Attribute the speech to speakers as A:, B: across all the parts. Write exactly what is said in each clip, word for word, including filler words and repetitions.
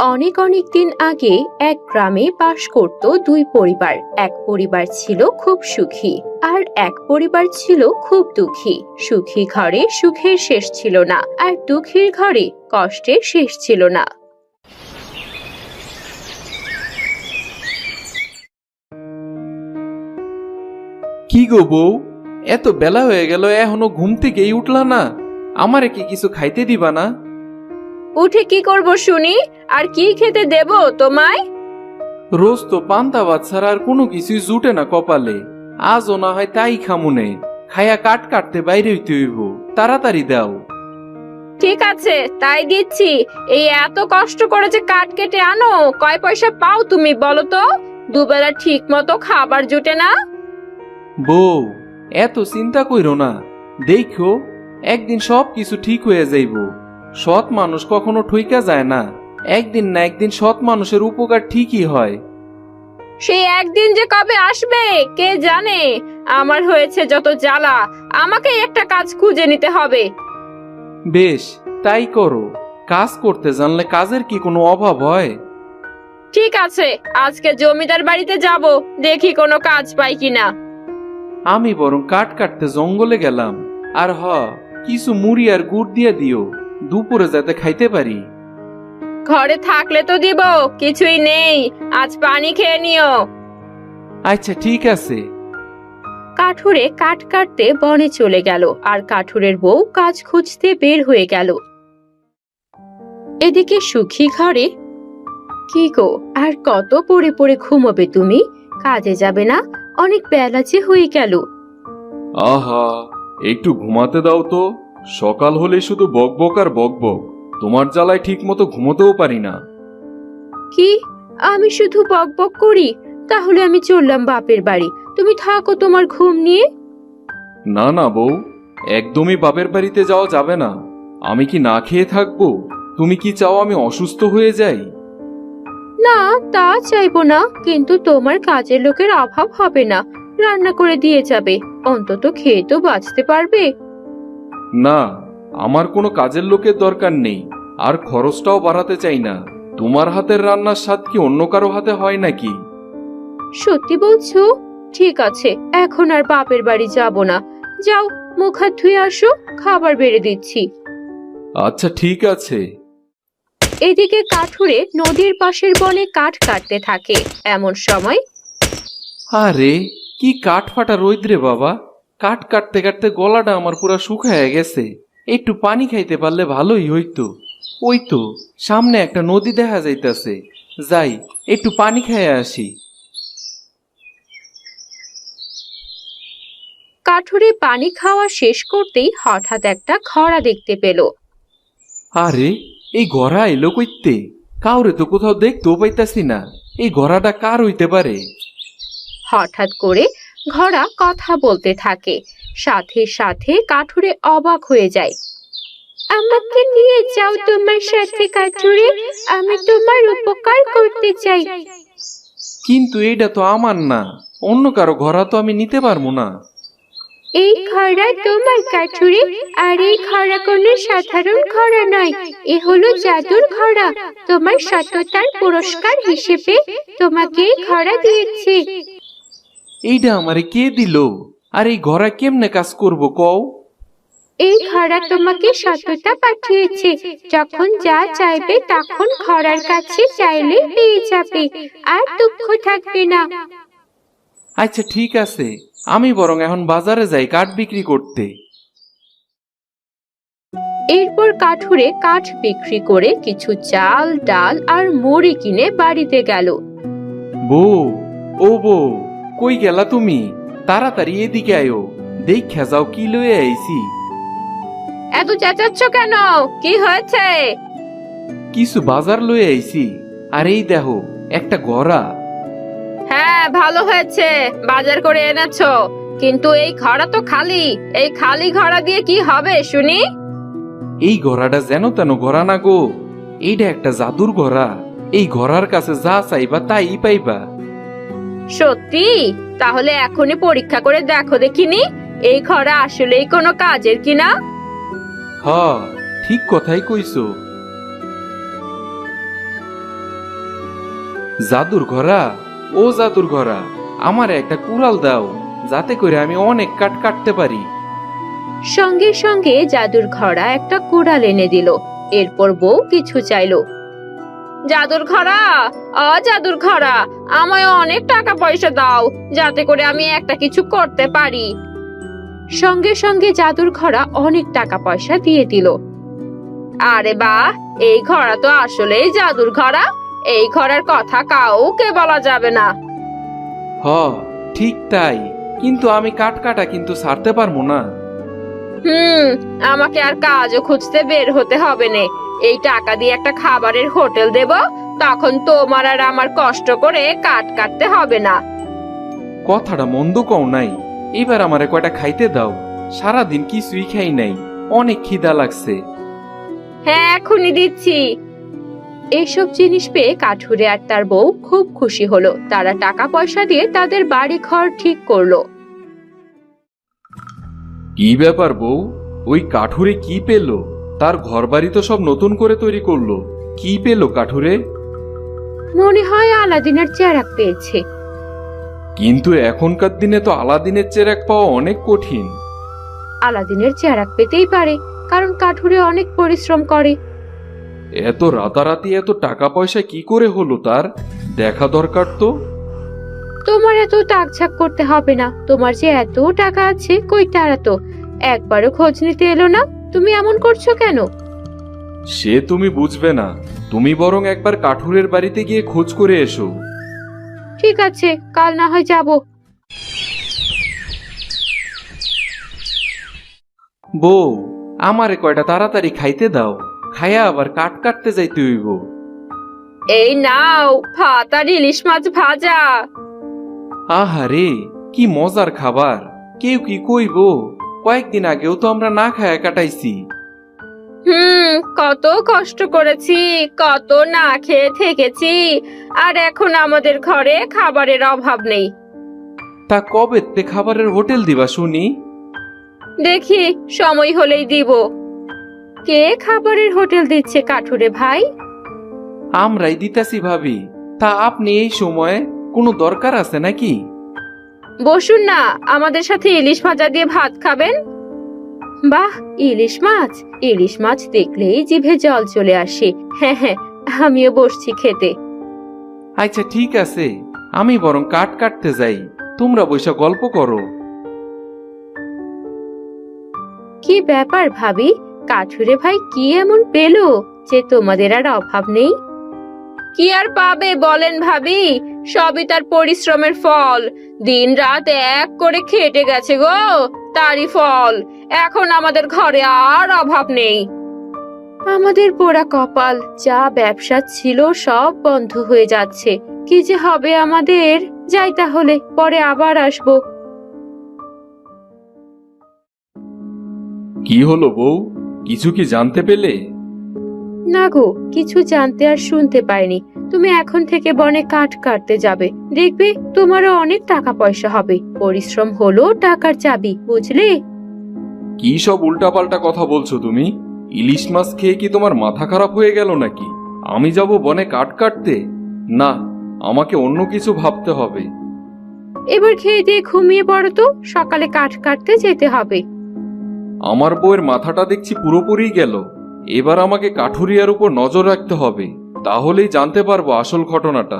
A: অনেক অনেক দিন আগে এক গ্রামে বাস করত দুই পরিবার। এক পরিবার ছিল খুব সুখী আর এক পরিবার ছিল খুব দুঃখী। সুখী ঘরে সুখের শেষ ছিল না, আর দুঃখীর ঘরে কষ্টের শেষ ছিল না।
B: কি গো বউ, এত বেলা হয়ে গেল এখনো ঘুম থেকেই উঠলা না? আমারে কি কিছু খাইতে দিবা না?
A: উঠে কি করব শুনি? আর কি খেতে দেব তোমায়?
B: রোজ তো পান্তা ভাত ছাড়া আর কোনো কিছুই জুটে না কপালে। আজও না হয় তাই খামুনে। খায়া কাট কাটতে বাইরে হইতে হইব, তাড়াতাড়ি দাও।
A: ঠিক আছে, তাই দিচ্ছি। এই এত কষ্ট করে যে কাঠ কেটে আনো, কয় পয়সা পাও তুমি বলো তো? দুবেলা ঠিক মতো খাবার জুটে না।
B: বউ, এত চিন্তা কইরো না। দেখো, একদিন সব কিছু ঠিক হয়ে যাইব। সৎ মানুষ কখনো ঠইকা যায় না। একদিন না একদিন সৎ মানুষের উপকার ঠিকই হয়।
A: সেই একদিন যে কবে আসবে কে জানে। আমার হয়েছে যত জ্বালা, আমাকে একটা কাজ খুঁজে নিতে হবে।
B: বেশ, তাই করো। কাজ করতে জানলে কাজের কি কোনো অভাব হয়?
A: ঠিক আছে, আজকে জমিদার বাড়িতে যাব, দেখি কোনো কাজ পাই কিনা।
B: আমি বরং কাঠ কাটতে জঙ্গলে গেলাম। আর হ, কিছু মুড়ি আর গুড় দিয়ে দিও, দুপুরে যাতে খাইতে পারি।
A: ঘরে থাকলে তো দিব, কিছুই নেই। আজ পানি খেয়ে নিও।
B: আচ্ছা ঠিক আছে।
A: কাঠুরে কাঠ কাটতে বনে চলে গেল, আর কাঠুরের বউ কাজ খুঁজতে বের হয়ে গেল। এদিকে সুখী ঘরে, কি গো, আর কত পড়ে পড়ে ঘুমোবে তুমি? কাজে যাবে না? অনেক বেলা যে হয়ে গেল।
C: আহা, একটু ঘুমাতে দাও তো। সকাল হলে শুধু বকবক আর বকবক। তোমার জ্বালায় ঠিক মতো ঘুমোতেও পারি না।
A: কি, আমি শুধু বকবক করি? তাহলে আমি চললাম বাপের বাড়ি, তুমি থাকো তোমার ঘুম নিয়ে।
C: না না বউ, একদমই বাপের বাড়িতে যাওয়া যাবে না। আমি কি না খেয়ে থাকবো? তুমি কি চাও আমি অসুস্থ হয়ে যাই?
A: না, তা চাইবো না, কিন্তু তোমার কাজের লোকের অভাব হবে না, রান্না করে দিয়ে যাবে। অন্তত খেয়ে তো বাঁচতে পারবে।
C: না, আমার কোনো কাজের লোকের দরকার নেই, আর খরচটাও বাড়াতে চাই না। তোমার হাতের রান্নার স্বাদ কি অন্য কারো হাতে হয় নাকি?
A: সত্যি বলছো? ঠিক আছে, এখন আর বাপের বাড়ি যাব না। যাও, মুখ হাত ধুয়ে আসো, খাবার বেড়ে দিচ্ছি।
C: আচ্ছা ঠিক আছে।
A: এদিকে কাঠুরে নদীর পাশের বনে কাঠ কাটতে থাকে। এমন সময়,
B: আরে, কি কাঠ ফাটা রোদ রে বাবা! কাঠ কাটতে কাটতে গলাটা আমার পুরা শুকায় গেছে। একটু পানি খাইতে পারলে ভালোই হইতো। ওই তো সামনে একটা নদী দেখা যাইতাছে, যাই একটু পানি খাইয়া আসি।
A: কাঠুরে পানি খাওয়া শেষ করতেই হঠাৎ একটা খরা দেখতে পেল।
B: আরে, এই ঘোড়া এলো কইতে? কাউরে তো কোথাও দেখতেও পাইতাছি না। এই ঘোড়াটা কার হইতে পারে?
A: হঠাৎ করে ঘোড়া কথা বলতে থাকে। সাথে সাথে কাঠুরে অবাক হয়ে যায়। আমাকে নিয়ে যাও তোমার সাথে কাঠুরে, আমি তোমার উপকার করতে চাই।
B: কিন্তু এইটা তো আমার না, অন্য কারো ঘোড়া তো আমি নিতে পারবো না।
A: এই খরা তোমার কাঠুরে, আর এই খরা কোনো সাধারণ খরা নয়, এ হলো জাদুর খরা। তোমার সততার পুরস্কার হিসেবে তোমাকে এই খরা দিয়েছি।
B: এইটা আমারে কে দিল? আর এই ঘোড়া কেমনে কাজ করবো কও?
A: এই খরা তোমাকে সততা পাঠিয়েছে। যখন যা চাইবে তখন খরার কাছে চাইলে পেয়ে যাবে, আর দুঃখ থাকবে না।
B: আচ্ছা ঠিক আছে, আমি বরং এখন বাজারে যাই কাঠ বিক্রি করতে।
A: এরপর কাঠুরে কাঠ বিক্রি করে কিছু চাল, ডাল আর মুড়ি কিনে বাড়িতে গেল।
B: বউ, ও বউ, কই গেলা তুমি? তাড়াতাড়ি এদিকে আয়ো, দেখা যাও কি লয়ে আইছি।
A: এত চেঁচাচ্ছ কেন? কি হয়েছে?
B: কিছু বাজার লয়ে আইছি। আর এই দেখো, একটা ঘোড়া।
A: হ্যাঁ, ভালো হয়েছে, বাজার করে এনেছো। কিন্তু এই ঘোড়া তো খালি। এই খালি ঘোড়া দিয়ে কি হবে শুনি?
B: এই ঘোড়াটা যেন তেন ঘোড়া না গো, এইটা একটা জাদুর ঘোড়া। এই ঘোড়ার কাছে যা চাইবা তাই পাইবা।
A: সত্যি? তাহলে এখনই পরীক্ষা করে দেখো দেখিনি, এই ঘোড়া আসলেই কোনো কাজের কিনা।
B: হ, ঠিক কথাই কইছো। জাদুর ঘোড়া, ও জাদুর ঘোড়া, আমার একটা কুড়াল দাও, যাতে করে আমি অনেক কাঠ কাটতে পারি।
A: সঙ্গে সঙ্গে জাদুর ঘোড়া একটা কুড়াল এনে দিল। এরপর বউ কিছু চাইলো। জাদুর ঘোড়া, অ জাদুর ঘোড়া, আমায় অনেক টাকা পয়সা দাও, যাতে করে আমি একটা কিছু করতে পারি। সঙ্গে সঙ্গে জাদুর ঘোড়া অনেক টাকা পয়সা দিয়ে দিল। আরে বাহ, এই ঘোড়া তো আসলেই জাদুর ঘোড়া। এই ঘোড়ার কথা কাউকে বলা যাবে না।
B: হ, ঠিক তাই, কিন্তু আমি কাঠ কাটা কিন্তু ছাড়তে পারবো না।
A: হুম, আমাকে আর কাজও খুঁজতে বের হতে হবে না। এই টাকা দিয়ে একটা খাবারের হোটেল দেব, তখন তোমার আর আমার কষ্ট করে কাঠ কাটতে হবে না।
B: কথাটা মন্দ কও নাই, এবার আমারে কয়টা খাইতে দাও, সারাদিন কিছুই খাই নাই, অনেক খিদা লাগছে।
A: হ্যাঁ, এখনই দিচ্ছি। এইসব জিনিস পেয়ে কাঠুরে আর তার বউ খুব খুশি হলো। তারা টাকা পয়সা দিয়ে তাদের বাড়ি ঘর ঠিক করলো।
C: কি ব্যাপার বউ, ওই কাঠুরে কি পেল? তার ঘরবাড়ি তো সব নতুন করে তৈরি করলো, কি পেল কাঠুরে?
A: মনে হয় আলাদিনের চেরাগ পেয়েছে।
C: কিন্তু এখনকার দিনে তো আলাদিনের চেরাগ পাওয়া অনেক কঠিন।
A: আলাদিনের চেরাগ পেতেই পারে, কারণ কাঠুরে অনেক পরিশ্রম করে।
C: এত রাতারাতি এত টাকা পয়সা কি করে হলো তার? দেখা দরকার তো।
A: তোমার এত টাকঝাক করতে হবে না। তোমার যে এত টাকা আছে, কই তারা তো একবারও খোঁজ নিতে এলো না। তুমি এমন করছো কেন?
C: সে তুমি বুঝবে না, তুমি বরং একবার কাঠুরের বাড়িতে গিয়ে খোঁজ করে এসো।
A: ঠিক আছে, কাল না হয় যাব।
B: বউ, আমারে কয়টা তাড়াতাড়ি খাইতে দাও, খাইয়া আবার কাঠ কাটতে যাইতে হইব।
A: এই নাও ভাত আর ইলিশ মাছ ভাজা।
B: আহারে, কি মজার খাবার! কেউ কি কইব? কয়েকদিন আগেও তো আমরা না খায়া কাটাইছি।
A: হুম, কত কষ্ট করেছি, কত না খেয়ে থেকেছি, আর এখন আমাদের ঘরে খাবারের অভাব নেই।
B: তা কবেতে খাবারের হোটেল দিবা শুনি?
A: দেখি, সময় হলেই দিব। কে খাবারের হোটেল দিচ্ছে কাঠুরে ভাই?
B: আমরাই দিতাছি ভাবি। তা আপনি এই সময়ে কোনো দরকার আছে নাকি?
A: বসুন না, আমাদের সাথে ইলিশ ভাজা দিয়ে ভাত খাবেন। বাহ, ইলিশ মাছ! ইলিশ মাছ দেখলেই জিভে জল চলে আসে। হ্যাঁ হ্যাঁ, আমিও বসছি খেতে।
B: আচ্ছা ঠিক আছে, আমি বরং কাঠ কাটতে যাই, তোমরা বৈশা গল্প করো।
A: কি ব্যাপার ভাবি, কাঠুরে ভাই কি এমন পেলো যে তোমাদের আর অভাব নেই? কি আর পাবে বলেন ভাবি, সবই তার পরিশ্রমের ফল। দিন রাত এক করে খেটে গেছে গো, তারই ফল। এখন আমাদের ঘরে আর অভাব নেই। আমাদের পোড়া কপাল, যা ব্যবসা ছিল সব বন্ধ হয়ে যাচ্ছে। কি যে হবে আমাদের! যাই তাহলে, পরে আবার আসবো।
C: কি হলো বউ, কিছু কি জানতে পেলে?
A: না গো, কিছু জানতে আর শুনতে পাইনি। তুমি এখন থেকে বনে কাঠ কাটতে যাবে, দেখবে তোমারও অনেক টাকা পয়সা হবে। পরিশ্রম হলো টাকার চাবি, বুঝলে?
C: কি সব উল্টাপাল্টা কথা বলছো তুমি? ইলিশ মাছ খেয়ে কি তোমার মাথা খারাপ হয়ে গেল নাকি? আমি যাব বনে কাঠ কাটতে? না, আমাকে অন্য কিছু ভাবতে হবে।
A: এবার খেয়ে দিয়ে ঘুমিয়ে পড়ো তো, সকালে কাঠ কাটতে যেতে হবে।
C: আমার বউয়ের মাথাটা দেখছি পুরোপুরি গেল। এবার আমাকে কাঠুরিয়ার উপর নজর রাখতে হবে, তাহলেই জানতে পারবো আসল ঘটনাটা।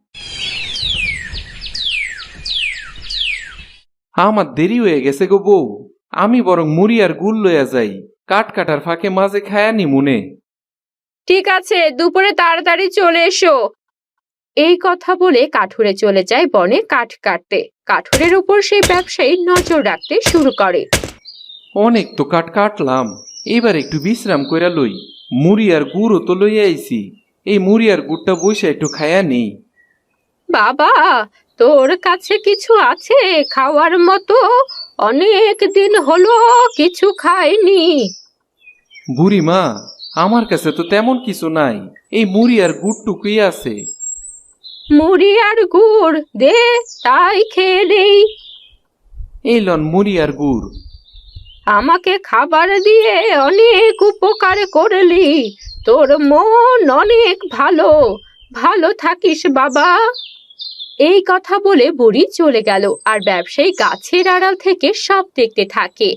B: আমার দেরি হয়ে গেছে গো বউ, আমি বরং মুড়ি আর গুড় লইয়া যাই, কাঠ কাটার ফাঁকে মাঝে খায়ানি মনে।
A: ঠিক আছে, দুপুরে তাড়াতাড়ি চলে এসো। এই কথা বলে কাঠুরে চলে যায় বনে কাঠ কাটতে। কাঠুরের উপর সেই ব্যবসায়ী নজর রাখতে শুরু করে।
B: অনেক তো কাঠ কাটলাম, এবার একটু বিশ্রাম কইরা লই। মুড়ি আর গুড়ও তো লইয়া আইছি, এই মুড়ি আর গুড়টা বইসা একটু খায়া নেই।
A: বাবা, তোর কাছে কিছু আছে খাওয়ার মতো? অনেক দিন হলো কিছু খাইনি।
B: বুড়ি মা, আমার কাছে তো তেমন কিছু নাই, এই মুড়ি আর গুড়টুকুই আছে।
A: মুড়ি আর গুড় দে, তাই খেয়ে নেই।
B: এই লন মুড়ি আর গুড়।
A: আমাকে খাবার দিয়ে অনেক উপকার করলি, তোর মন অনেক ভালো। ভালো থাকিস বাবা। এই কথা বলে বুড়ি চলে গেল আর ব্যবসায়ী গাছের আড়াল থেকে সব দেখতে থাকে।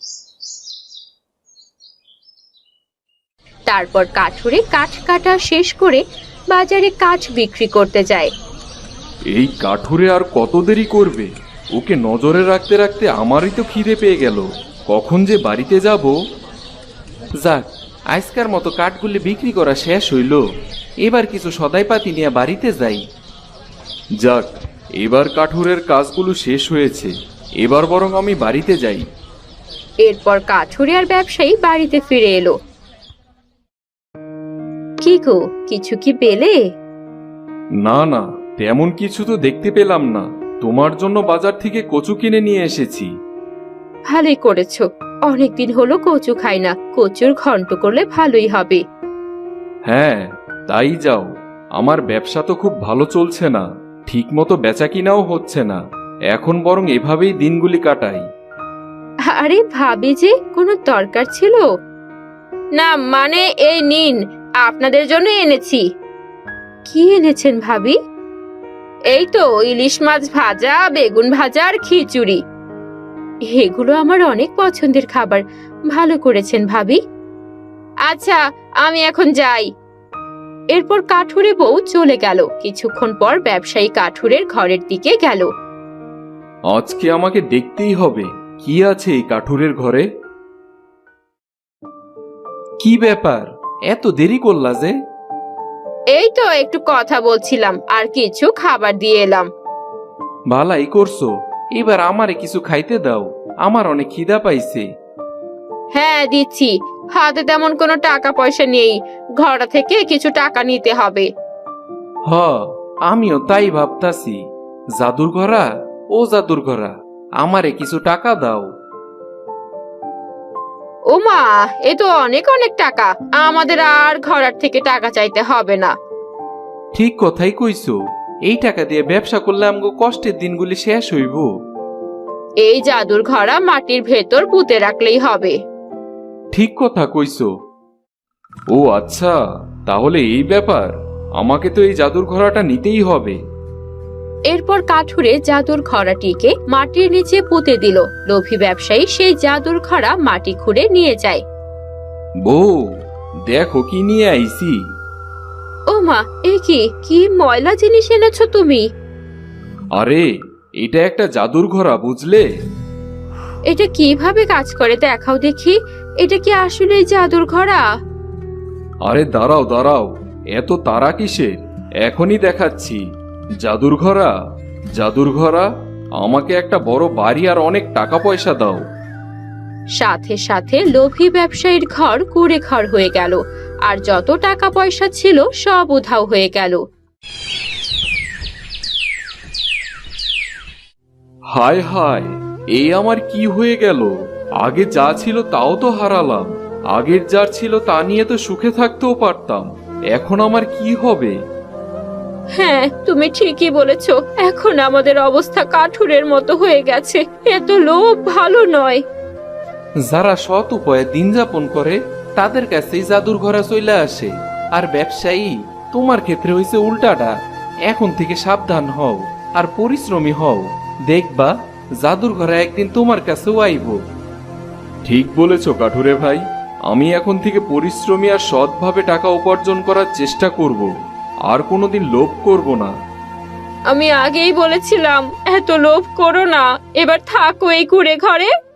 A: তারপর কাঠুরে কাঠ কাটা শেষ করে বাজারে কাঠ বিক্রি করতে যায়।
C: এই কাঠুরে আর কত দেরি করবে? ওকে নজরে রাখতে রাখতে আমারই তো খিদে পেয়ে গেল। কখন যে বাড়িতে যাব।
B: যাক, আজকার মতো কাঠগুলি বিক্রি করা শেষ হইল। এবার কিছু সদাইপাতি নিয়ে বাড়িতে যাই।
C: যাক, এবার কাঠুরের কাজগুলো শেষ হয়েছে। এবার বরং আমি বাড়িতে যাই।
A: এরপর কাঠুরে আর ব্যবসায়ী বাড়িতে ফিরে এলো। কি গো, কিছু কি পেলে?
C: না না, তেমন কিছু তো দেখতে পেলাম না। তোমার জন্য বাজার থেকে কচু কিনে নিয়ে এসেছি।
A: ভালোই করেছো, অনেকদিন হলো কচু খাই না। কচুর ঘন্ট করলে ভালোই হবে।
C: হ্যাঁ, তাই যাও। আমার ব্যবসা তো খুব ভালো চলছে না, ঠিক মতো বেচা কিনাও হচ্ছে না। এখন বরং এভাবেই দিনগুলি কাটাই।
A: আরে ভাবি যে, কোনো দরকার ছিল? না মানে এই নিন, আপনাদের জন্য এনেছি। কি এনেছেন ভাবি? এই তো ইলিশ মাছ ভাজা, বেগুন ভাজা আর খিচুড়ি। এগুলো আমার অনেক পছন্দের খাবার। ভালো করেছেন ভাবি। আচ্ছা, আমি এখন যাই। এরপর কাঠুরে বউ চলে গেল। কিছুক্ষণ পর ব্যবসায়ী কাঠুরের ঘরের দিকে গেল।
C: আজকে আমাকে দেখতেই হবে কি আছে এই কাঠুরের ঘরে।
B: কি ব্যাপার, এত দেরি করলা যে?
A: এই তো একটু কথা বলছিলাম আর কিছু খাবার দিয়ে এলাম।
B: ভালাই করছো। এবার আমারে কিছু খাইতে দাও, আমার অনেক খিদা পাইছে।
A: হ্যাঁ দিচ্ছি, হাতে তেমন কোনো টাকা পয়সা নেই। ঘর থেকে কিছু টাকা নিতে হবে।
B: হ, আমিও তাই ভাবতাছি। জাদুর ঘরা, ও জাদুর ঘরা, আমারে কিছু টাকা দাও।
A: ও মা, এ তো অনেক অনেক টাকা। আমাদের আর ঘরের থেকে টাকা চাইতে হবে না।
B: ঠিক কথাই কইছো। এই টাকা দিয়ে ব্যবসা করলে আমগো কষ্টের দিনগুলি শেষ হইব।
A: এই জাদুর ঘড়া মাটির ভেতর পুঁতে রাখলেই হবে।
B: ঠিক কথা কইছো।
C: ও আচ্ছা, তাহলে এই ব্যাপার। আমাকে তো এই জাদুর ঘোড়াটা নিতেই হবে।
A: এরপর কাঠুরে জাদুর ঘড়াটিকে মাটির নিচে পুঁতে দিল। লোভী ব্যবসায়ী সেই জাদুর ঘড়া মাটি খুঁড়ে নিয়ে যায়।
C: বউ, দেখো কি নিয়ে আইছি।
A: ও মা, এ কি কি ময়লা জিনিস এনেছো তুমি?
C: আরে, এটা একটা জাদুর ঘোড়া, বুঝলে?
A: এটা কিভাবে কাজ করে দেখাও দেখি। এটা কি আসলেই জাদুর ঘড়া?
C: আরে দাঁড়াও দাঁড়াও, এত তাড়া কিসের? এখনই দেখাচ্ছি। জাদুর ঘোড়া, জাদুর ঘোড়া, আমাকে একটা বড় বাড়ি আর অনেক টাকা পয়সা দাও।
A: সাথে সাথে লোভী ব্যবসায়ীর ঘর কুড়ে ঘর হয়ে গেল আর যত টাকা পয়সা ছিল সব উধাও হয়ে গেল।
C: হায় হায়, এই আমার কি হয়ে গেল? আগে যা ছিল তাও তো হারালাম। আগের যা ছিল তা নিয়ে তো সুখে থাকতেও পারতাম। এখন আমার কি হবে?
A: হ্যাঁ, তুমি ঠিকই বলেছো। এখন আমাদের অবস্থা কাঠুরের মতো হয়ে গেছে। এত লোভ ভালো নয়।
B: যারা সৎ উপায়ে দিন যাপন করে তাদের কাছেই জাদুর ঘোড়া চলে আসে। আর ব্যবসায়ী, তোমার ক্ষেত্রে হইছে উল্টাটা। এখন থেকে সাবধান হও আর পরিশ্রমী হও। দেখবা জাদুর ঘোড়া একদিন তোমার কাছেও আইব।
C: ঠিক বলেছ কাঠুরে ভাই। আমি এখন থেকে পরিশ্রমী আর সৎভাবে টাকা উপার্জন করার চেষ্টা করব। আর কোনোদিন লোভ করব না।
A: আমি আগেই বলেছিলাম এত লোভ করো না। এবার থাকো এই কুড়ে ঘরে।